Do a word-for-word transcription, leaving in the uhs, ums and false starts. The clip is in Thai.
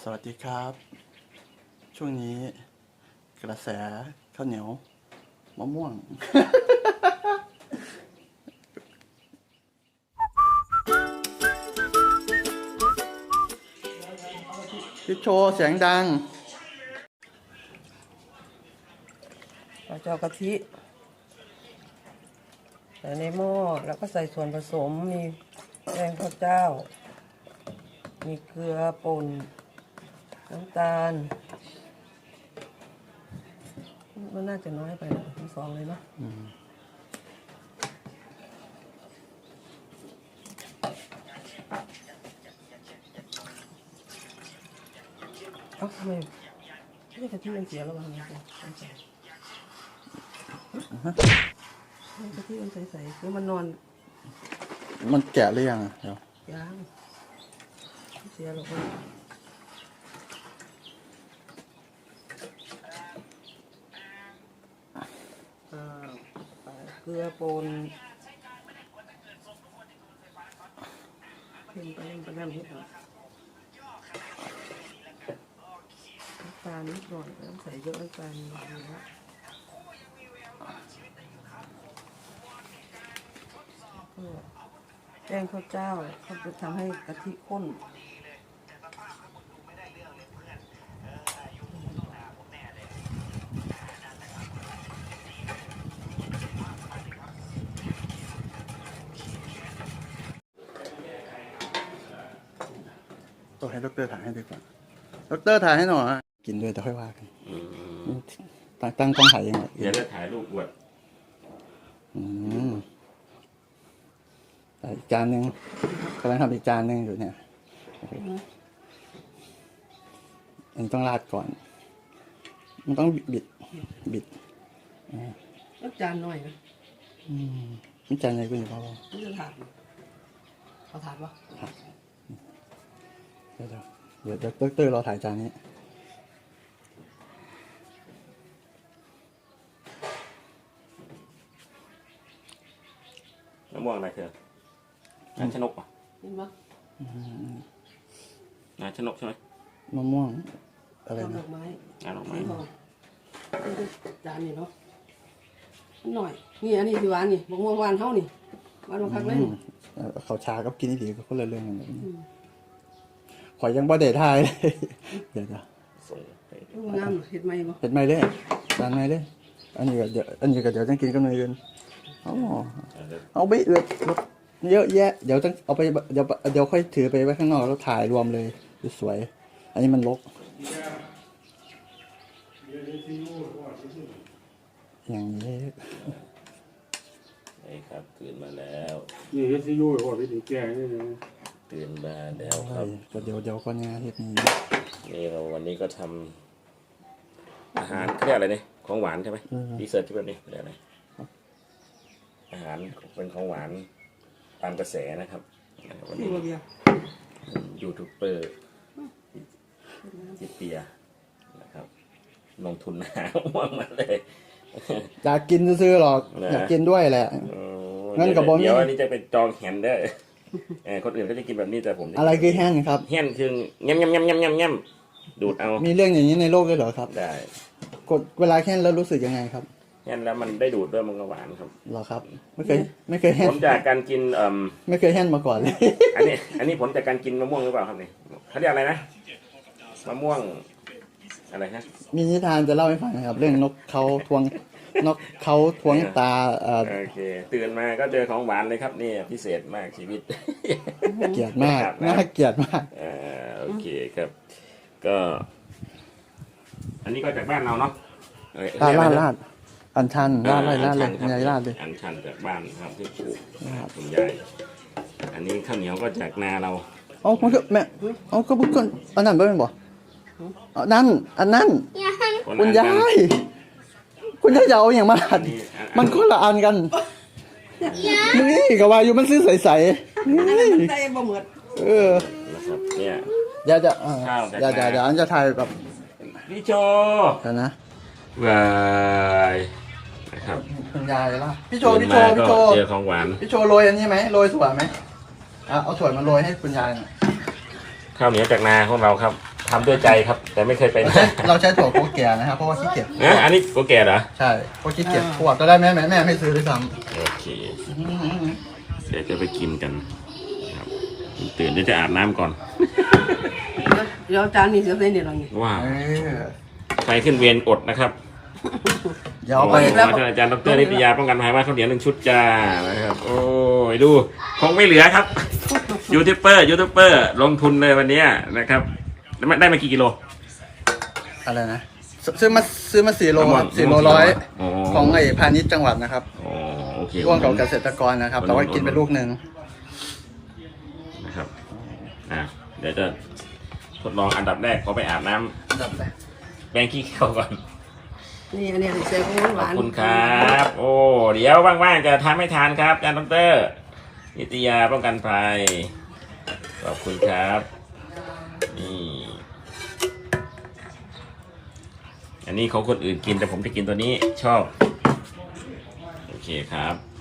วัสดีครับช่วงนี้กระแสข้าวเหนียวมะม่วง พี่โชว์เสียงดังเราจะเอากะทิใส่ในหม้อแล้วก็ใส่ส่วนผสมมีแป้งข้าวเจ้ามีเกลือป่นน้ำตาลมันน่าจะน้อยไปนะทั้งสองเลยเนาะเอ้าทำไมไม่กะทิมันเสียแล้ววะเนี่ยกะทิมันใสๆแล้วมันนอนมันแกะหรือยังอ่ะเดี๋ยวยังเสียหรอกเกลือป่นเพิ่มไปเพิ่มไปน้ำนิดหน่อยน้ำตาลนิดหน่อยน้ำใส่เยอะน้ำตาลนิดหน่อยนะแป้งข้าวเจ้าเขาจะทำให้กะทิข้นต้องให้ดรถ่ายให้ดีกว่าดรถ่ายให้หน่อยกินด้วยแต่ค่อยว่ากันตั้งตั้งกล้องถ่ายยังไงเดี๋ยวจะถ่ายรูปอวดอืมอีกจานหนึ่งกำลังทำอีกจานหนึ่งอยู่เนี่ยอันต้องราดก่อน มันต้องบิดบิดแล้วจานหน่อยนะอืมมีจานไหนกูอยู่เปล่านี่จะถาดเอาถาดปะเดี๋ยวเดี๋ยวเดี๋ยวเตอร์รอถ่ายจานนี้มะม่วงอะไรเธอน้ำชนกป่ะเห็นปะน้ำชนกใช่ไหมมะม่วงอะไรนะดอกไม้น้ำดอกไม้นี่จานนี่เนาะหน่อยนี่อันนี้ที่หวานนี่มะม่วงหวานเท่านี่หวานมาคักเลยเขาชากับกินนี่ดีก็คนละเรื่องกันเลยข่อยยังบ่ได้ทายเลยเดี๋ยวจะส่งน้ำเห็ดไหมบ่เห็ดไหมเลยจานไหมเลยอันนี้ก็เดี๋ยวอันนี้ก็เดี๋ยวต้องกินกับเนยกันเอาเอาไปเอือดเยอะแยะเดี๋ยวต้องเอาไปเดี๋ยวเดี๋ยวค่อยถือไปไว้ข้างนอกแล้วถ่ายรวมเลยสวยอันนี้มันรกอย่างนี้นี่ครับตื่นมาแล้วนี่เฮซียูว่าไปถึงแก่นี่นะตื่นมาแล้วครับก็เดี๋ยวเดี๋ยวก็งานเฮ็ดนี้นี่เราวันนี้ก็ทำอาหารเรียกอะไรเนี่ยของหวานใช่ไหมดีเซอร์ที่แบบนี้เรียกอะไรอาหารเป็นของหวานตามกระแสนะครับวันนี้ยูทูบเบอร์จิเปียนะครับลงทุนหาม่วงมาเลยอยากกินซื้อหรอกอยากกินด้วยแหละงั้นกับบอมเดี๋ยวอันนี้จะเป็นจองแฮนเดอร์คนอื่นก็จะกินแบบนี้แต่ผมอะไรคือแฮนครับแฮนคือเงี้ยมเงี้ยมเงี้ยมเงี้ยมเงี้ยมดูดเอามีเรื่องอย่างนี้ในโลกด้วยเหรอครับได้กดเวลาแฮนแล้วรู้สึกยังไงครับแฮนแล้วมันได้ดูดด้วยมันก็หวานครับเหรอครับไม่เคยไม่เคยแฮนผลจากการกินเอ่อไม่เคยแฮนมาก่อนเลยอันนี้อันนี้ผลจากการกินมะม่วงหรือเปล่าครับนี่เขาเรียกอะไรนะมะม่วงอะไรฮะมีนิทานจะเล่าให้ฟังครับเรื่องนกเขาทวงนกเขาทวงตาโอเคตื่นมาก็เจอของหวานเลยครับนี่พิเศษมากชีวิตเกลียดมากน่าเกลียดมากอ่าโอเคครับก็อันนี้ก็จากบ้านเราเนาะลาดลาดลาดอันชันลาดลาดลาดเลยยายลาดเลยอันชันจากบ้านครับที่ปลูกคุณยายอันนี้ข้าวเหนียวก็จากนาเราอ๋อมันก็แม่อ๋อก็บุกคนอันนั้นเป็นบ่อ๋อนั่นอันนั้นคุณยายคุณยายเอาอย่างมาหัดมันคนละอันกันนี่กับวาอยู่มันซื้อใสๆนี่ใส่บ่เหมือนเออนะครับเนี่ยเดี๋ยวจะเดี๋ยวเดี๋ยวเดี๋ยวอันจะถ่ายแบบพี่โจนะวายนะครับคุณยายล่ะพี่โจพี่โจพี่โจเจอของหวานพี่โจโรยอันนี้ไหมโรยถั่วไหมอ่ะเอาถั่วมาโรยให้คุณยายข้าวเหนียวจากนาของเราครับทำด้วยใจครับ แต่ไม่เคยเป็นเราใช้เราใช้ถั่วโกแก่นะครับเพราะว่าขี้เกียจนะอันนี้โกแก่เหรอใช่เพราะขี้เกียจขวดก็ได้แม่แม่แม่ไม่ซื้อด้วยซ้โอเคเดี๋ยวจะไปกินกันครับตื่นเดี๋ยวจะอาบน้ำก่อนเดี๋ยวจานนี้เสียเส้นเดี๋ยวเราเนี่ยว้าำวเออใครขึ้นเวรอดนะครับเดี๋ยวเอาไปโอ้ยอาจารย์ดรนิตยาป้องกันภัยว่าข้าวเหนียวหนึ่งชุดจ้านะครับโอ้ยดูคงไม่เหลือครับยูทูบเบอร์ยูทูบเบอร์ลงทุนเลยวันนี้นะครับได้มากี่กิโลอะไรนะซซื้อมาซื้อมาสี่โลครับสี่โลร้อยของไอ้พาณิชย์จังหวัดนะครับอ๋อโอเคร่วมกับเกษตรกรนะครับแต่ว่ากินไปลูกหนึ่งนะครับอ่ะเดี๋ยวจะทดลองอันดับแรกขอไปอาบน้ำดับเลยแปรงขี้เขียวก่อนนี่อันนี้ใส่ของหขวาอบนคุณครับ โอ้เดี๋ยวว่างๆจะทำให้ทานครับอาจารย์ดรนิตยาป้องกันภัยขอบคุณครับนี่อันนี้ของคนอื่นกินแต่ผมจะกินตัวนี้ชอบโอเคครับ